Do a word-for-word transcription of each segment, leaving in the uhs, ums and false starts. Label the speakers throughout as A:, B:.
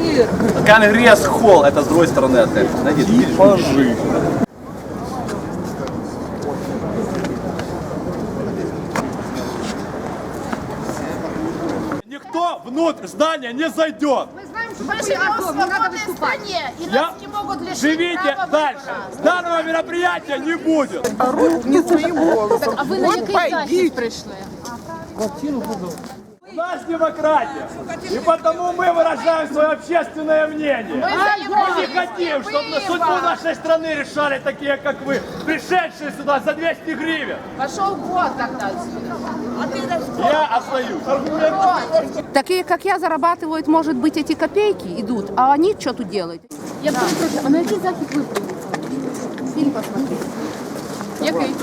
A: Конгресс холл, это с другой стороны отель.
B: Типажи.
C: Никто внутрь здания не зайдет.
D: Мы знаем, что мы живем в свободной стране, и
C: Я...
D: нас не могут лишить
C: Живите
D: права
C: дальше.
D: выбора.
C: Данного мероприятия не будет.
B: Орут не своим голосом.
E: А ви на
B: Вот
E: який захід
B: пойди.
E: прийшли?
C: У нас демократия. И потому мы выражаем свое общественное мнение. Мы не хотим, чтобы судьбу нашей страны решали такие, как вы, пришедшие сюда за двести гривен.
D: Пошел год тогда. А ты на
C: Я остаюсь.
F: Такие, как я, зарабатывают, может быть, эти копейки идут, а они что тут делают?
E: Я перепрошую, а на який захід ви приїхали? Фільм посмотрели. Який?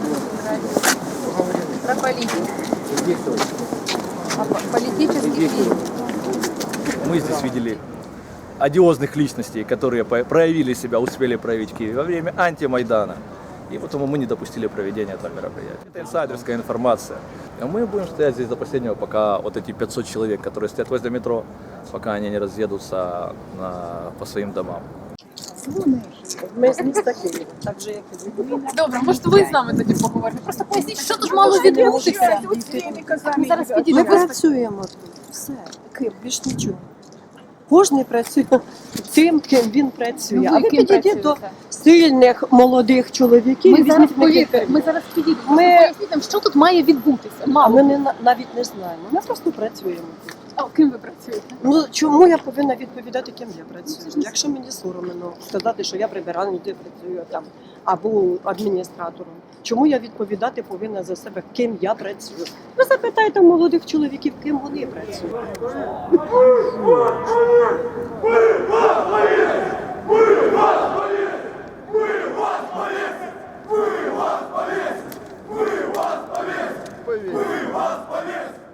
F: Про политику. Политический фильм.
A: Мы здесь видели одиозных личностей, которые по- проявили себя, успели проявить в Киеве во время антимайдана. И потому мы не допустили проведения этого мероприятия. Это инсайдерская информация. А мы будем стоять здесь до последнего, пока вот эти пятьсот человек, которые стоят возле метро, пока они не разъедутся на, по своим домам.
G: Ми з міста Києва, так же як і ви.
E: Добре, може ви з нами тоді поговорите. Просто поясніть, що тут мало відбутися. Ми зараз
G: Ми
E: підійдемо.
G: працюємо тут. Все, Київ, більш нічого. Кожен працює тим, ким він працює.
E: Ну, ви
G: А ви
E: ким
G: підійдіть до
E: працюєте?
G: сильних молодих чоловіків.
E: Ми
G: візьміть
E: зараз
G: на
E: повірте,
G: кілька-
E: ми зараз підійдемо.
G: Ми-
E: Ми... Поясніть нам, що тут має відбутися.
G: А
E: Мало.
G: ми не, на- навіть не знаємо. Ми просто працюємо тут.
E: А ким ви працюєте?
G: Ну чому я повинна відповідати, ким я працюю? Якщо мені соромно сказати, що я прибиральницею працюю там або адміністратором, чому я відповідати повинна за себе, ким я працюю? Ви запитайте молодих чоловіків, ким вони працюють.
B: Поверь.